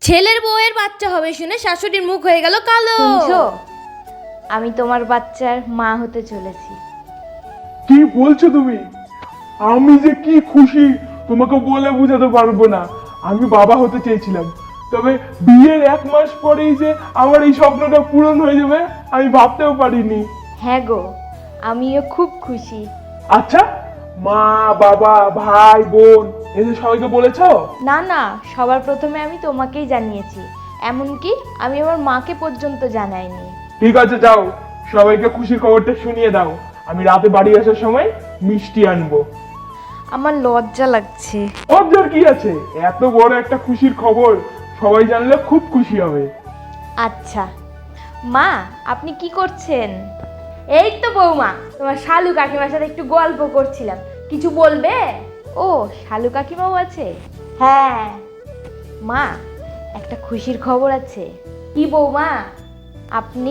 ছেলের বউয়ের বাচ্চা হবে শুনে শাশুড়ির মুখ হয়ে গেল কালো। শুনছো, আমি তোমার বাচ্চার মা হতে চলেছি। কি বলছো তুমি? আমি যে কি খুশি তোমাকে বলে বোঝাতে পারবো না। আমি বাবা হতে চেয়েছিলাম, তবে বিয়ের 1 মাস পরেই যে আমার এই স্বপ্নটা পূরণ হয়ে যাবে আমি ভাবতেও পারিনি। হ্যাঁ গো, আমিও খুব খুশি। আচ্ছা, মা বাবা ভাই বোন এদের সবাইকে বলেছো? না না, সবার প্রথমে আমি তোমাকেই জানিয়েছি, এমনকি আমি আমার মাকে পর্যন্ত জানাইনি। ঠিক আছে, যাও সবাইকে খুশির খবরটা শুনিয়ে দাও। আমি রাতে বাড়ি আসার সময় মিষ্টি আনবো। আমার লজ্জা লাগছে। লজ্জার কি আছে? এত বড় একটা খুশির খবর সবাই জানলে খুব খুশি হবে। আচ্ছা মা, আপনি কি করছেন? এই তো বৌমা, তোমার শালু কাকিমার সাথে একটু গল্প করছিলাম। কিছু বলবে? ও, শালু কাকিমাও আছে? হ্যাঁ মা, একটা খুশির খবর আছে। কি বৌমা? আপনি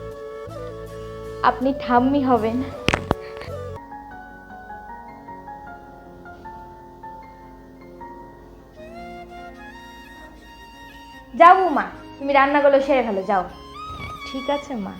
আপনি ঠাম্মি হবেন। যাও বৌমা, তুমি রান্নাগুলো সেরে ফেলো, যাও। ঠিক আছে মা।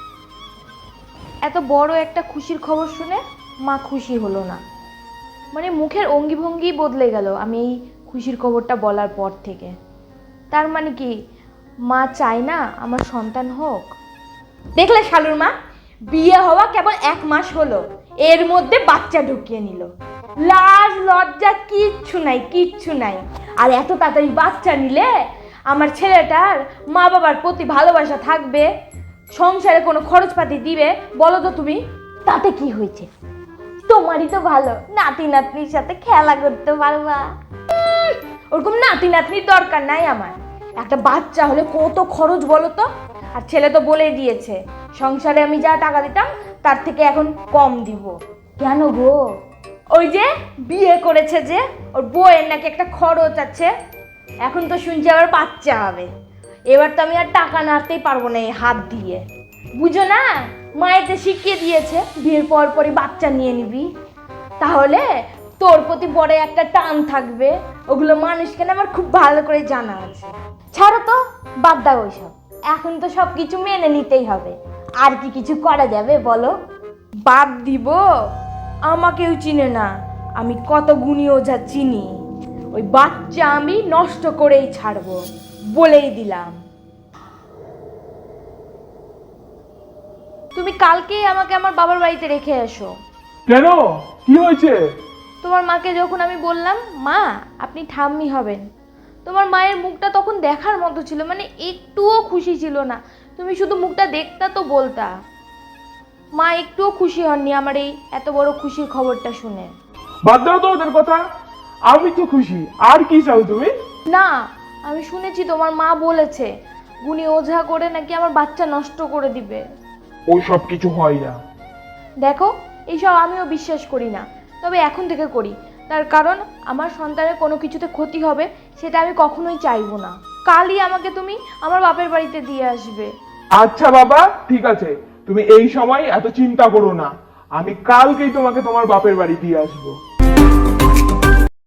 এত বড় একটা খুশির খবর শুনে মা খুশি হলো না, মানে মুখের অঙ্গি ভঙ্গি বদলে গেল আমি এই খুশির খবরটা বলার পর থেকে। তার মানে কি মা চায় না আমার সন্তান হোক? দেখলে শালুর মা, বিয়ে হওয়া কেবল 1 মাস হলো, এর মধ্যে বাচ্চা ঢুকিয়ে নিল। লাজ লজ্জা কিচ্ছু নাই, কিচ্ছু নাই। আর এত তাড়াতাড়ি বাচ্চা নিলে আমার ছেলেটার মা বাবার প্রতি ভালোবাসা থাকবে, সংসারে কোনো খরচপাতি দিবে? বলো তো তুমি। তাতে কি হয়েছে? তোমারই তো ভালো, নাতি নাতনির সাথে খেলা করতে পারবা। ওরকম নাতি নাতনির দরকার নাই আমার। একটা বাচ্চা হলে কত খরচ বলো তো। আর ছেলে তো বলেই দিয়েছে, সংসারে আমি যা টাকা দিতাম তার থেকে এখন কম দিব। কেন গো? ওই যে বিয়ে করেছে যে, ওর বউয়ের নাকি একটা খরচ আছে। এখন তো শুনছি আবার বাচ্চা হবে। এবার তো আমি আর টাকা নাড়তেই পারবো না এই হাত দিয়ে। বুঝো না, মায়েতে শিখিয়ে দিয়েছে বিয়ের পর পরই বাচ্চা নিয়ে নিবি, তাহলে তোর প্রতি বড় একটা টান থাকবে। ওগুলো মানুষকে না আমার খুব ভালো করে জানা আছে। ছাড়ো তো, বাদ দাও ওইসব। এখন তো সব কিছু মেনে নিতেই হবে। আর কি কিছু করা যাবে বলো? বাদ দিব? আমাকেও চিনে না, আমি কত গুণী ওঝা চিনি। ওই বাচ্চা আমি নষ্ট করেই ছাড়বো, বলেই দিলাম। তুমি কালকেই আমাকে আমার বাবার বাড়িতে রেখে এসো। কেন, কি হয়েছে? তোমার মাকে যখন আমি বললাম মা আপনি ঠাম্মি হবেন, তোমার মায়ের মুখটা তখন দেখার মতো ছিল, মানে একটুও খুশি ছিল না। তুমি শুধু মুখটা দেখতা তো বলতা। মা একটুও খুশি হননি আমার এই এত বড় খুশির খবরটা শুনে। বাদ দাও তো ওদের কথা, আমি তো খুশি। আর কি চাও তুমি? না, আমি শুনেছি তোমার মা বলেছে গুণী ওঝা করে নাকি আমার বাচ্চা নষ্ট করে দিবে। ওই সব কিছু হয় না। দেখো, এইসব আমিও বিশ্বাস করি না, তবে এখন থেকে করি। তার কারণ আমার সন্তানের কোনো কিছুতে ক্ষতি হবে সেটা আমি কখনোই চাইবো না। কালই আমাকে তুমি আমার বাপের বাড়িতে দিয়ে আসবে। আচ্ছা বাবা, ঠিক আছে, তুমি এই সময় এত চিন্তা করো না। আমি কালকেই তোমাকে তোমার বাপের বাড়ি দিয়ে আসবো।